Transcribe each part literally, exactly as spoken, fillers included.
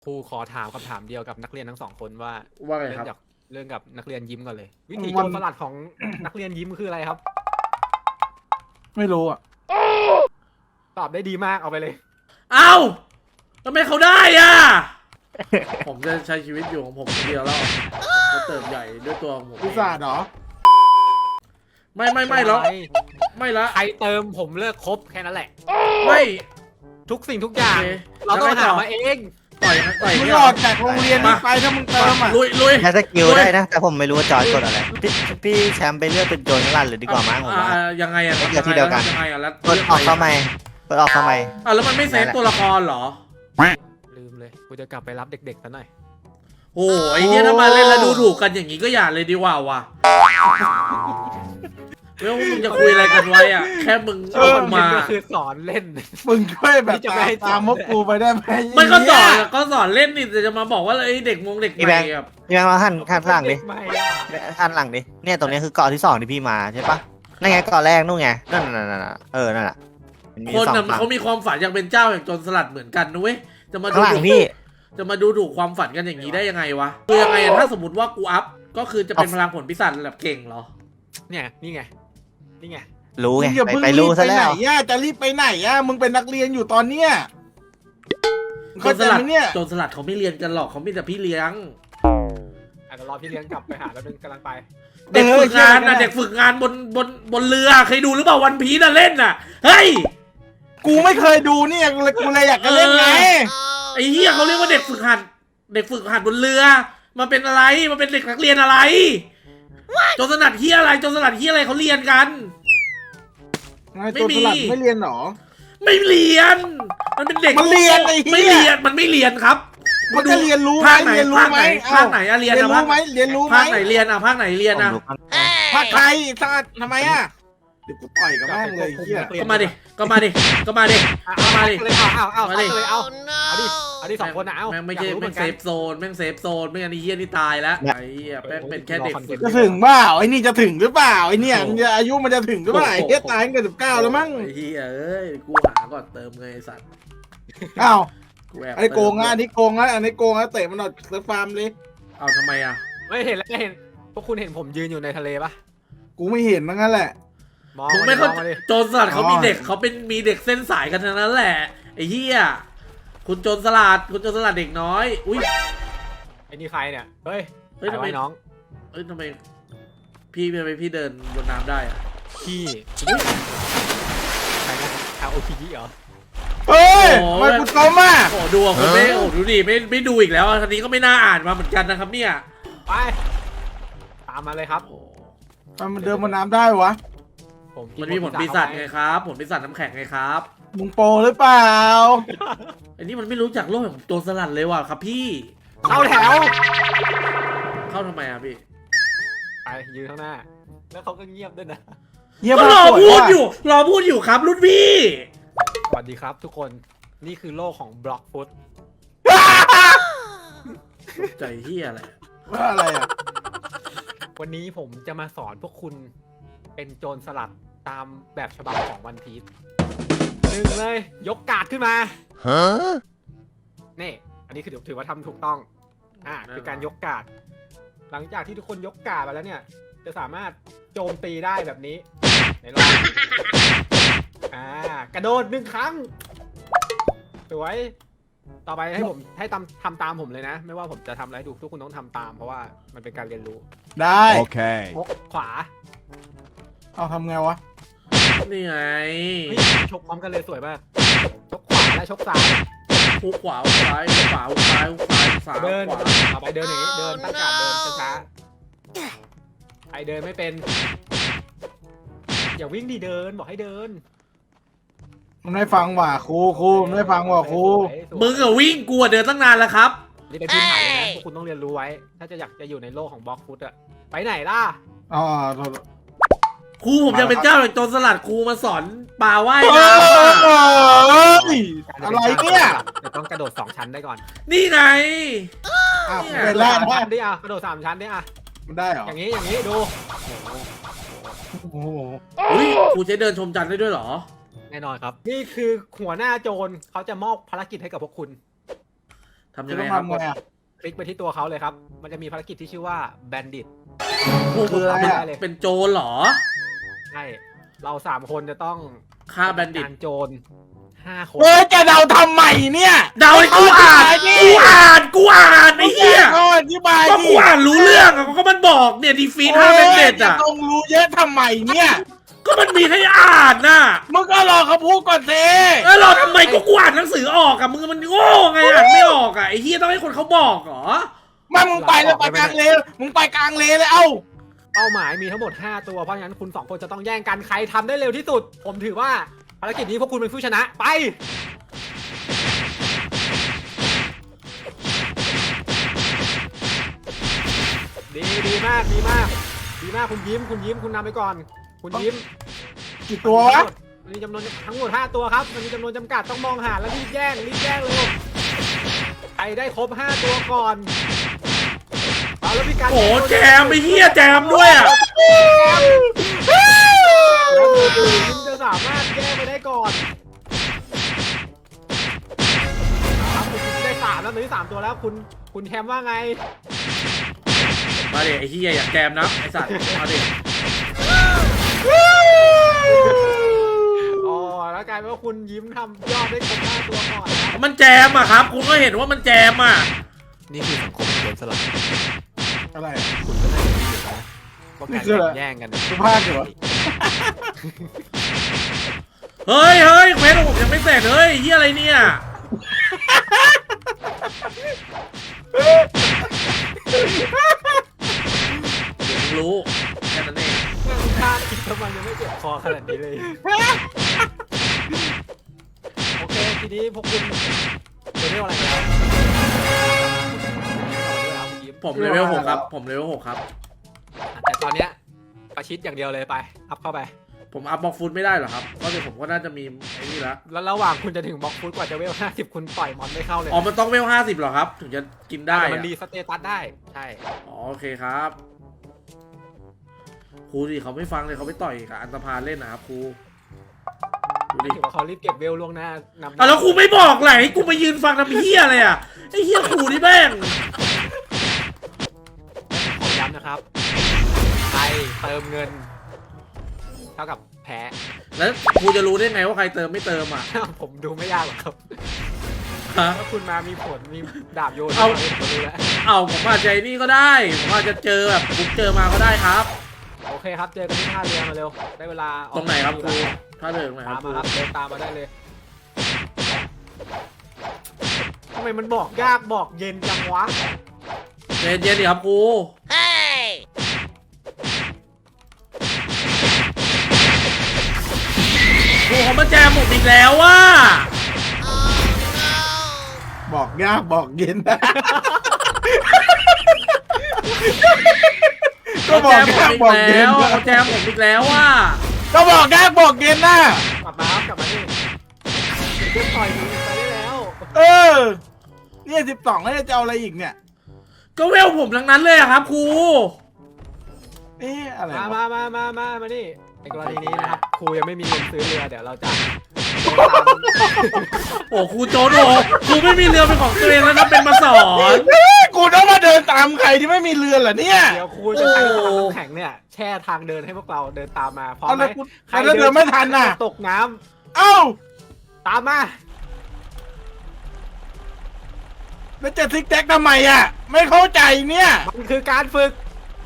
ครูขอถามคำถามเดียวกับนักเรียนทั้งสองคนว่าว่าไงเรื่ครับจากเรื่องกับนักเรียนยิ้มก่อนเลย วิธีวัโจนรสลัดของ นักเรียนยิ้มคืออะไรครับไม่รู้อ่ะตอบได้ดีมากเอาไปเลยเอ้าทำไมเขาได้อ่ะ ผมจะใช้ชีวิตอยู่ของผมคนเดียวแล้วจะเติบใหญ่ด้วยตัวของผมวิสาดเหรอไม่ไม่ไม่แล้วไม่ละใครเติมผมเลิกคบแค่นั้นแหละไม่ทุกสิ่งทุกอย่างโอเคเราต้องแล้วไงต่หาอมาเองต่อยต่อยมึงเนี่ยออกจากโรงเรียนนี้ไปถ้ามึงเติมอ่ะลุยลุยใช้สกิลลุยได้นะ แต่ผมไม่รู้ว่าจอร์จกดอะไร พี่พี่แชมป์ไปเลือกเป็นโจรสลัดเลยดีกว่ามั้งผมว่าอ่ายังไงอ่ะเลือกที่เดียวกันยังไงอ่ะแล้วกดออกเข้าใหม่กดออกเข้าใหม่อ่ะแล้วมันไม่เซฟตัวละครเหรอลืมเลย กูจะกลับไปรับเด็กๆซะหน่อยโอ้ยไอ้เนี่ยถ้ามาเล่นแล้วดูถูกกันอย่างนี้ก็อย่าเลยดีกว่าว่ะแล้วมึงจะคุยอะไรกันไว้อ่ะ แค่มึงเอามันมาก็คือสอนเล่นมึงช่วยแบบนี่จะไม่ให้ตามพวกกูไปได้ไหมมันก็สอนก็สอนเล่นนี่แต่จะมาบอกว่าไอ้เด็กมงเด็กใหพี่แบม่งค์แบบพี่แบงค์มาหันหันหลังดิไม่หันหลังดิ เนี่ยตรงนี้คือเกาะที่สองที่พี่มาใช่ปะนั่นไงเกาะแรกนู่นไง นั่นนั่นนั่นเออ นั่นแหละมันมีคนสองน่ะฝั่งเขามีความฝันอยากเป็นเจ้าแห่งโจรสลัดเหมือนกันนะเว้ยจะมาข้าดูงหลังถูกพี่จะมาดูถูกความฝันกันอย่างนี้ได้ยังไงวะคือยังไงอะถ้าสมมติว่ากูอัพก็คือจะเป็นพลังผลพิศาจแบบเก่งเหรอเนี่ยนี่ไง นี่ไงรู้มึไงงอย่าไปเพิ่งไปรีรู้บซะไปไหแล้นวย่าจะรีบไปไหนอ่ะมึงเป็นนักเรียนอยู่ตอนเนี้ยโจเข้ารสใจลัไหดมเนี่ยโจรสลัดเขาไม่เรียนกันหรอกเขามีแต่พี่เลี้ยงอาจจะรอพี่เลี้ยงกลับไปหาแล้วนึงกำลังไปเด็กฝึกงานนะเด็กฝึกงานบนบนบนเรือเคยดูหรือเปล่าวันพีน่ะเล่นน่ะเฮ้ยกูไม่เคยดูเนี่ยกูเลยกูเลยอยากจะเล่นไงไอ้เหี้ยเขาเรียกว่าเด็กฝึกหัดเด็กฝึกหัดบนเรือมันเป็นอะไรมันเป็นเด็กนักเรียนอะไรโจรสลัดเหี้ยอะไรโจรสลัดเหี้ยอะไรเขาเรียนกันไงตัวสลัดไม่เรียนหรอไม่เรียน มันเป็นเด็กมันเรียนไอ้เหี้ยไม่เรียนมันไม่เรียนครับมันจะเรียนรู้ไหมภาคไหนเรียนรู้ภาคไหไหมนภาคไหนอะเรียนเรียนอะรู้ไหมเรียนรู้ไหมภาคไหนเรียนอะภาคไหนเรียนผมอะรู้กันภาคไทยชาติทำไมอ่ะเดี๋ยวกูต่อยกับแม่งเลยไอ้เฮียก็มาดิก็มาดิก็มาดิเอาก็มาดิเลยเอาเอาเอามาเอาดิเลยเอาเอาดิเอาดิสองคนนะเอาแม่งไม่อยากใช่รู้เหแม่มืงอนเซกันฟโซนแม่งเซฟโซนไม่งั้นไอ้เหี้ยนี่ตายแล้วไอ้เหี้ยแม่งเป็นแค่เด็กฝึกจะถึงเปล่าไอ้นี่จะถึงหรือเปล่าไอ้เนี่ยมันจะอายุมันจะถึงหรือเปล่าไอ้เฮียตายตั้งแต่สิบเก้าแล้วมั้งไอ้เหี้ยเอ้ยกูหาก่อนเติมเงยไอ้สัตว์อ้าวกูแอบอันนี้โกงนะอันนี้โกงนะอันนี้โกงนะเตะมันออกเซิร์ฟฟาร์มเลยเอาทำไมอะไม่เห็นแล้วไม่เห็นพวกคุณเห็นผมยืนอยู่ในทะเลปะกูไม่เห็นนั่นแหละมองมึงมาไม่ดิมเข้าองมาดิโจรสลัดเขาอ๋อมีเด็กเขาเป็นมีเด็กเส้นสายกันทั้งนั้นแหละไอ้เหี้ยคุณโจรสลัดคุณโจรสลัดเด็กน้อยอุ้ยไอ้นี่ใครเนี่ยเฮ้ยเฮ้ยถ่าทำไมไว้น้องเอ้ยทำไมพี่ทำไมพี่เดินบนน้ำได้อะพี่ใครนะอาโอพีเหรอเฮ้ยทำไมกูต้มอ่ะโอ้ดูอ่ะคนไม่โอ้ดูดิไม่ไม่ดูอีกแล้วทีนี้ก็ไม่น่าอ่านมาเหมือนกันนะครับเนี่ยไปตามมาเลยครับโอ้ทำไมมันเดินบนน้ำได้วะผมกิมันมีผลปีศาจไงครับ ผลปีศาจน้ำแข็งไงครับมึงโปรหรือเปล่าอันนี้มันไม่รู้จักโลกของโจรสลัดเลยว่ะครับพี่เข้าแถวเข้าทำไมอ่ะพี่ไปยืนข้างหน้า แล้วเขาก็เงียบด้วยนะเยี่ยมก็มากรอสวยพูดว่ะอยู่รอพูดอยู่ครับรุ่นพี่สวัสดีครับทุกคนนี่คือโลกของบล็อกฟุตใจเฮียอะไรว่าอะไรอ่ะวันนี้ผมจะมาสอนพวกคุณเป็นโจรสลัดตามแบบฉบับของวันพีซหนึ่งเลย ยกการ์ดขึ้นมาฮะนี่อันนี้คือถือว่าทำถูกต้องอ่าคือการยกการ์ดหลังจากที่ทุกคนยกการ์ดไปแล้วเนี่ย จะสามารถโจมตีได้แบบนี้ไหนลองอ่ากระโดดหนึ่งครั้งสวยต่อไปให้ผมให้ทำทำตามผมเลยนะ ไม่ว่าผมจะทำอะไรดูทุกคนต้องทำตามเพราะว่ามันเป็นการเรียนรู้ได้ Okay. ชกขวาเอาทำไงวะนี่ไงเฮ้ยชกพร้อมกันเลยสวยมากชกขวาและชกซ้ายหูขวาหูซ้ายหูขวาหูซ้ายหูซ้ายสามเดินขวาต่อไปเดินอย่างนี้เดินตั้งการดเดินช้าๆใครเดินไม่เป็นอย่าวิ่งดีเดินบอกให้เดินมันไม่ฟังว่ะครูครูมันไม่ฟังว่ะครูสวยสวยมึงอะวิ่งกูอะเดินตั้งนานแล้วครับนี่เป็นพื้นฐานเลยนะพวกคุณต้องเรียนรู้ไว้ ถ้าจะอยากจะอยู่ในโลกของบล็อกฟุตอะไปไหนล่ะอ๋อครูผมจะเป็นเจ้าแห่งโจรสลัดครูมาสอนปลาว่ายเฮ้น้ำอะยอะไรเนี่ยจะต้องกระโดดสองชั้นได้ก่อนนี่ไงอ้าวเนี่ยเป็นกแล้ระวโดดสามนะชั้นดิอ่ะกระโดดสามชั้นดิอ่ะมันได้เหรออย่างนี้อย่างนี้ดูโอ้โหอุ้ยครูใช้เดินชมจันทร์ได้ด้วยเหรอแน่นอนครับ นี่คือหัวหน้าโจรเขาจะมอบภารกิจให้กับพวกคุณทำจะยังต้ไงองครับทำไงอะคลิกไปที่ตัวเขาเลยครับ มันจะมีภารกิจที่ชื่อว่า Bandit คืออะไรอะได้เลยเป็นโจรเหรอใช่ เราสามคนจะต้องฆ่าแบนดิตการโจรห้าคนเฮ้ยจะเดาทำใหม่เนี่ยเดาให้กูอ่านกูอ่านกูอ่านไอ้เหี้ยเขาอธิบายก็ดิกูอ่านรู้เรื่องอะก็มันบอกเนี่ยดีฟีทห้าเป็นเด็ดจะอ่ะต้องรู้เยอะทำไมเนี่ยก็มันมีให้อ่านน่ะมึงก็รอเขาพูดก่อนสิเออเราทำไมก็กูอ่านหนังสือออกอะมึงมันโง่ไงอ่านไม่ออกอะไอ้เหี้ยต้องให้คนเขาบอกเหรอมามึงไปเลยไปกลางเลนมึงไปกลางเลนเลยเอ้าเป้าหมายมีทั้งหมด ห้า ตัว เพราะฉะนั้นคุณสองคนจะต้องแย่งกันใครทำได้เร็วที่สุด ผมถือว่าภารกิจนี้พวกคุณเป็นผู้ชนะ ไป ดีดีมากดีมาก ดีมากคุณยิ้มคุณยิ้มคุณนำไปก่อน คุณยิ้มกี่ตัววะมันมีจำนวนทั้งหมด ห้า ตัวครับ มันมีจำนวนจำกัดต้องมองหาแล้วรีบแย่งรีบแย่งเลยใครได้ครบ ห้า ตัวก่อนเอาแล้วพี่การโอ้แจมไอ้เหี้ยแจมด้วยอะแล้วคุณจะสามารถแย่งไปได้ก่อนครับคุณได้สามแล้วตอนนี้สามตัวแล้วคุณคุณแคมว่าไงมาดิไอ้เหี้ยอยากแจมนะไอ้สัตว์มาดิอ๋อแล้วกลายเป็นว่าคุณยิ้มทำยอดได้ครบห้าตัวก่อนนะมันแจมอะครับคุณก็เห็นว่ามันแจมอะนี่คือสังคมโจรสลัดอะไรคุณก็ได้รู้อยู่นะว่าการแข่งแย่งกันเนี่ยสุภาพเหรอเฮ้ยเฮ้ยเควสของผมยังไม่เสร็จเฮ้ยเหี้ยอะไรเนี่ยเดี๋ยวมึงรู้แค่นั้นเองแม่งพลาดอีกทำไมยังไม่เจ็บคอขนาดนี้เลย โอเค ทีนี้พวกคุณจะเรียกอะไรกันแล้วผมเลเวลหกครับผมเลเวลหกครับแต่ตอนเนี้ยประชิดอย่างเดียวเลยไป อัพเข้าไปผมอัพบล็อกฟุตไม่ได้เหรอครับก็เดี๋ยวผมก็น่าจะมีไอ้นี่ละแล้วระหว่างคุณจะถึงบล็อกฟุตกว่าจะเวลห้าสิบคุณปล่อยมอนไม่เข้าเลยอ๋อมันต้องเวลห้าสิบเหรอครับถึงจะกินได้แต่อะมันรีสเตตัสได้ ใช่อ๋อโอเคครับครูดิเขาไม่ฟังเลยเขาไปต่อยกับอันตพาเล่นนะครับครูดูดิถือว่าเขารีบเก็บเวลล่วงหน้านำอ่ะแล้วครูไม่บอกไหนกูมายืนฟังทำเฮียอะไรอ่ะไอ้เฮียครูนี่แม่งขอย้ำนะครับ ใครเติมเงิน เท่ากับแพ้แล้วครูจะรู้ได้ไงว่าใครเติมไม่เติมอ่ะผมดูไม่ยากหรอกครับฮะถ้าคุณมามีผล มีดาบโยนเอาผมรู้แล้วเอาผมอาจจะไอ้นี่ก็ได้ผมอาจจะเจอแบบผมเจอมาก็ได้ครับโอเคครับ เจอกันที่ท่าเรือมาเร็ว ได้เวลาออกตรงไหนครับครูถ้าเดินตรงไหนคตารัมบครูมาครับ เดินตามมาได้เลยทำไมมันบอกยากบอกเย็นจังวะเย็นเย็นดิครับครูครูเขามาแจมผมอีกแล้วว่ะบอกยากบอกเย็น ก็เขาบอแจกมผมยากอีกบอกแล้เย็นวเขาแจมผมอีกแล้วว่ะก็บอกยากบอกเย็นนะกลับมาครับ กลับมานี่เดี๋ยวต่อยมึงไปได้แล้วเออ เนี่ยสิบสองแล้วจะเอาอะไรอีกเนี่ยก็เวลผมทั้งนั้นเลยอะครับครูเอ๊ะอะไรมาวะมามามามามานี่ในกรณีนี้นะครับ ครูยังไม่มีเงินซื้อเรือ เดี๋ยวเราจะโอ้ครูโจนโอ้ครูไม่มีเรือเป็นของตัวเองแล้วนะเป็นมาสอนเฮ้ยกูต้องมาเดินตามใครที่ไม่มีเรือเหรอเนี่ยเดี๋ยวครูจะใช้พลังน้ำแข็งเนี่ย แช่ทางเดินให้พวกเราเดินตามมา พร้อมเอาไหมแล้วกูแล้วเดินไม่ทันน่ะตกน้ำเอ้าตามมาแล้วจะซิกแซกทำไมอ่ะ ไม่เข้าใจเนี่ยมันคือการฝึก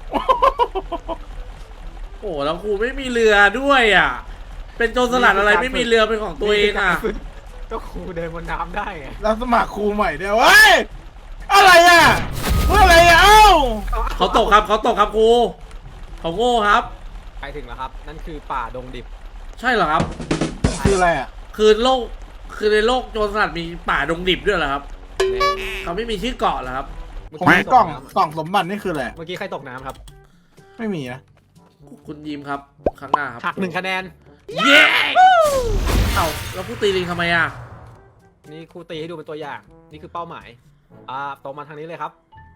โอ้แล้วครูไม่มีเรือด้วยอ่ะ เป็นโจรสลัดอะไรไม่มีเรือเป็นของตัวเองอ่ะนี่คืการฝึกก็ครูเดินบนน้ำได้ไงเราสมัครครูใหม่เดี๋ยวเฮ้ยอะไรอ่ะเพื่ออะไรอ่ะเอ้าเขาตกครับเขาตกครับครูเขาโง่ครับไปถึงแล้วครับ นั่นคือป่าดงดิบใช่เหรอครับคืออะไรอ่ะคือโลกคือในโลกโจรสลัดมีป่าดงดิบด้วยเหรอครับเขาไม่มีชื่อเกาะเหรอครับของกล่องกล่องสมบัตินี่คืออะไรเมื่อกี้ใครตกน้ำครับไม่มีนะคุณยิมครับครั้งหน้าครับหักหนึ่งคะแนนเย้เอ้าแล้วผู้ตีลิงทำไมอ่ะนี่ครูตีให้ดูเป็นตัวอย่าง นี่คือเป้าหมาย อ่าตรงมาทางนี้เลยครับ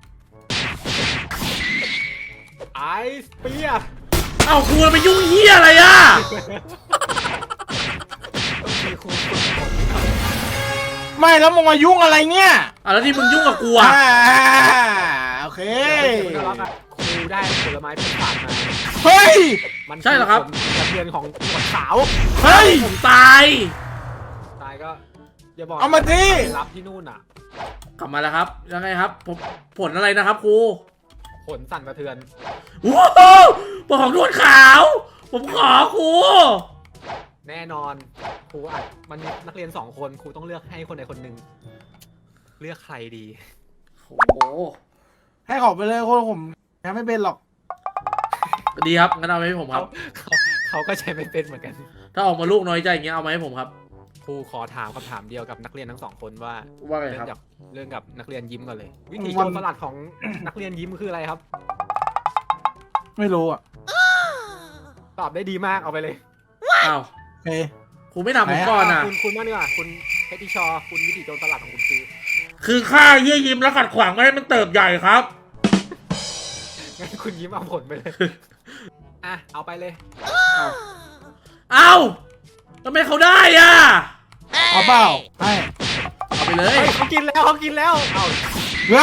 ไอสเปียร์เอ้าครูไปยุ่งเหี้ยอะไรอ่ะต้องมีครูฝึกฝนครับคไม่แล้วมึงมายุ่งอะไรเนี่ยอ่ะแล้วที่มึงยุ่งกับกูอ่ะอ่าโอเคเดี๋ยวคุณน่ารักอะครูได้ผลไม้พิศาจมาเฮ้ยมันใช่เหรอครับกระเทือนของหนวดขาวเฮ้ยผมตายตายก็อย่าบอกเอามาดิไปรับที่นู่นอ่ะกลับมาแล้วครับยังไงครับผมผลอะไรนะครับครูผลสั่นสะเทือนว้าวผลของนวดขาว ผมขอครูแน่นอนครูอ่ะมันมีนักเรียนสองคนครูต้องเลือกให้คนใดคนหนึ่งเลือกใครดีโอ้โหให้ขอไปเลยคนผมยังไม่เป็นหรอกดีครับงั้นเอามาให้ผมคเขารับเขาเขาก็ใช้ไม่เป็นเหมือนกันถ้าออกมาลูกน้อยใจอย่างเงี้ยเอามาให้ผมครับครูขอถามคำถามเดียวกับนักเรียนทั้งสองคนว่าว่าไงเรื่ครับกับเรื่องกับนักเรียนยิ้มก่อนเลย วิธีวัโจนรสลัดของ นักเรียนยิ้มคืออะไรครับไม่รู้อ่ะตอบได้ดีมากเอาไปเลยอ้าวโอเคครูไม่ถามผมก่อนอ่ะคุณคุณว่านี่ว่าคุณเพชรทิชอคุณวิธีโจรสลัดของคุณคือคือฆ่าเยี่ยยิ้มแล้วขัดขวางไม่ให้มันเติบใหญ่ครับงั้นคุณยิ้มเอาผลไปเลย อ่ะเอาไปเลยเอ้าทำไมเขาได้อ่ะเอาเปล่าให้เอาไปเลยเฮ้ยเขากินแล้วเขากินแล้วเอาว้า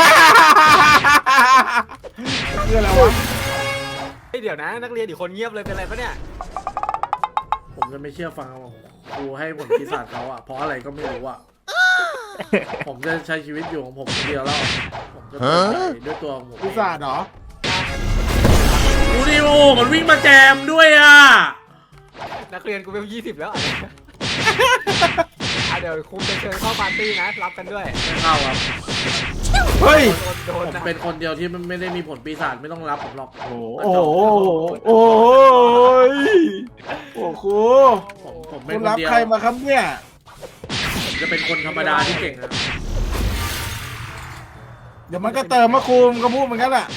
คืออะไรวะเฮ้ยเดี๋ยวนะ นักเรียนอีกคนเงียบเลยเป็นอะไรปะเนี่ยผมจะไม่เชื่อฟังครูให้ผลปีศาจเขาอ่ะเพราะอะไรก็ไม่รู้อ่ะ ผมจะใช้ชีวิตอยู่ของผมคนเดียวแล้ว ผมจะเปิดใจด้วยตัวของผมเองพิศาจเหรอดูดิโอมันวิ่งมาแจมด้วยอ่ะนักเรียนกูเป็นยี่สิบแล้วอ่ะ อ่ะเดี๋ยวครูจะเชิญเข้าปาร์ตี้นะรับกันด้วยไม่เข้าครับเฮ้ยโดนโดผนมนะเป็นคนเดียวที่ไม่ได้มีผลปีศาจไม่ต้องรับผมหรอกโอ้โหโอ้ยโอ้โหผมผมเป็คุนณคนรับเดียวใครมาครับเนี่ยผมจะเป็นคนธรรมดาที่เก่งนะเดี๋ยวมันก็เติมมาครูมันก็พูดเหมือนกันแหละ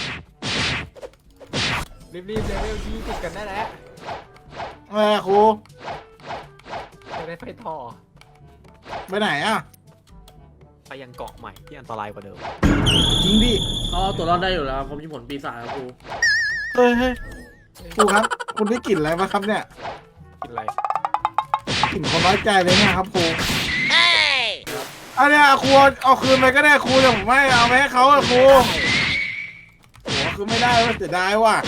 รีบๆเลเวลยี่สิบกันได้แล้วแม่ครูจะได้ไปต่อไปไหนอ่ะไปยังเกาะใหม่ที่อันตรายกว่าเดิมจริงดิเขาเอาตัวรอดได้อยู่แล้วผมมีผลปีศาจครับครูเฮ้ยเฮ้ยครูครับ คุณได้กลิ่นอะไรมาครับเนี่ยกินอะไรกลิ่นคนน้อยใจเลยเนี่ยครับครูอันเนี้ยครูเอาคืนไปก็ได้ครูแต่ผมไม่เอาไปให้เขาอะครูโอ้คือไม่ได้ว่าเสียดายว่ะ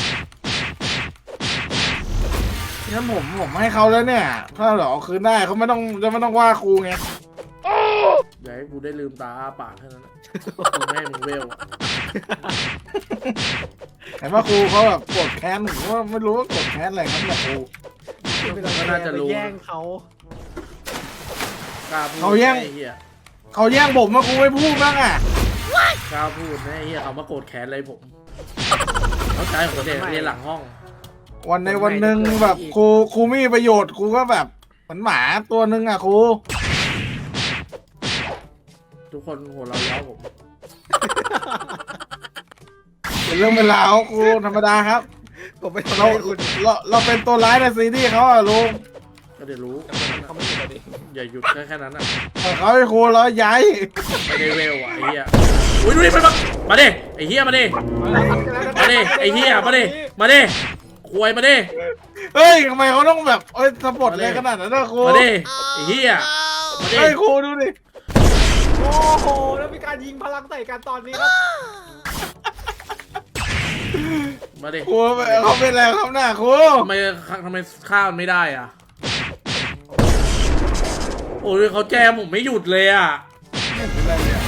งั้นผมผมให้เขาแล้วเนี่ย ถ้าเหรอเอาคืนได้เขาไม่ต้องจะไม่ต้องว่าครูไงอย่าให้กูได้ลืมตาอ้าปากแค่นั้นนะกูไม่ให้มึงเวลอะแต่ว่าครูเขาแบบโกรธแค้นผมว่าไม่รู้ว่าโกรธแค้นอะไรครับเนี่ยครูก็น่าจะรู้ไปแย่งเขากล้าพูดเขาแย่งไอ้เหี้ยเขาแย่งผมมาครูไม่พูดบ้างอ่ะกล้าพูดนะไอ้เหี้ยเขามาโกรธแค้นอะไรผมเขาใจผมเด็กเรียนหลังห้องวันในวันหนึ่งแบบครูครูไม่มีประโยชน์ครูก็แบบเหมือนหมาตัวหนึ่งอ่ะครูทุกคนหัวเราะเย้าผมเป็นเรื่องเป็นราวครูธรรมดาครับผมไม่เราทำให้คุณเราเราเป็นตัวร้ายในซีรีส์เขาอะลุงก็เดี๋ยวรู้เขาไม่อยู่กับดิอย่าหยุดแค่แค่นั้นอ่ะแต่เขาให้ครูเราย้ายไม่ได้เวลอ่ะไอ้เหี้ยอุ้ยดูดิมันมามาดิไอ้เหี้ยมาดิมาดิไอ้เหี้ยมาดิมาดิควยมาดิเฮ้ยทำไมเขาต้องแบบเอ้ยสปอร์ตเลยขนาดนั้นนะครูมาดิไอ้เหี้ยมาดิเฮ้ยครูดูดิโอ้โหแล้วมีการยิงพลังใส่กันตอนนี้ครับมาดิครูเขาเป็นอะไรครับหน้าครูทำไมทำไมข้าวมันไม่ได้อ่ะโอ้ยเขาแจมผมไม่หยุดเลยอ่ะไม่เป็นไรเนี่ย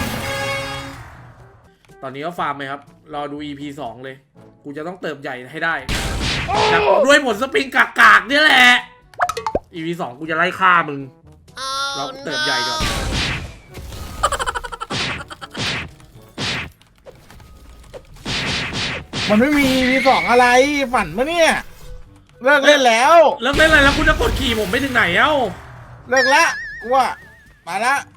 ตอนนี้ก็ฟาร์มไหมครับ รอดู อี พี สองเลย กูจะต้องเติบใหญ่ให้ได้จากด้วยผลสปริงกากๆเนี่ยแหละ อี พี สองกูจะไล่ฆ่ามึง เราเติบใหญ่ก่อนมันไม่มีมีสองอะไรฝันปะเนี่ยเลิกเล่นแล้วแล้วเป็นไรแล้วคุณจะกดขี่ผมไปถึงไหนเอ้าเลิกละกูว่ามาละ